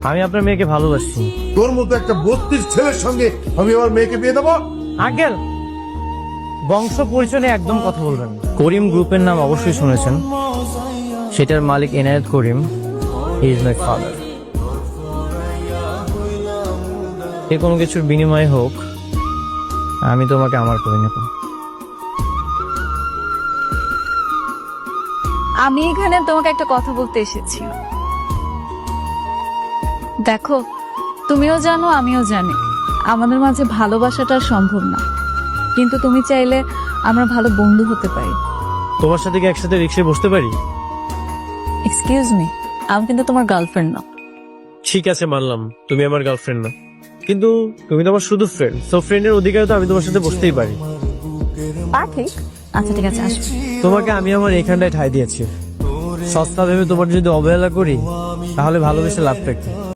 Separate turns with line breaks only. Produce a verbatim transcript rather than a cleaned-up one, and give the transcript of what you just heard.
আমি আপনার মেয়েকে ভালোবাসি।
তোর মতো একটা বত্রিশ ছেলের সঙ্গে আমি আমার মেয়েকে বিয়ে দেবো?
আঙ্কেল, বংশ পরিচয় নিয়ে একদম কথা বলবেন না। করিম গ্রুপের নাম অবশ্যই শুনেছেন, সেটার মালিক Enayet Karim, he is my father. এ কোনো কিছুর বিনিময়ে হোক, আমি তোমাকে আমার করে নেব।
আমি এখানে তোমাকে একটা কথা বলতে এসেছি। দেখো, তুমিও জানো আমিও জানি আমাদের মাঝে ভালোবাসাটা আর সম্ভব না, কিন্তু তুমি চাইলে আমরা ভালো বন্ধু হতে পারি।
তোমার সাথে কি একসাথে রিক্সায় বসতে পারি?
এক্সকিউজ মি, আমি কিন্তু তোমার গার্লফ্রেন্ড না।
ঠিক আছে, মানলাম তুমি আমার গার্লফ্রেন্ড না, কিন্তু তুমি তো আমার শুধু ফ্রেন্ড। সো ফ্রেন্ডের অধিকারে তো আমি তোমার সাথে বসতেই পারি।
তা ঠিক। আচ্ছা ঠিক আছে, আসো।
তোমাকে আমি আমার এখানটায় ঠাঁই দিয়েছি। সস্তা ভেবে তোমার যদি অবহেলা করি, তাহলে ভালোবেসে লাভটা কি?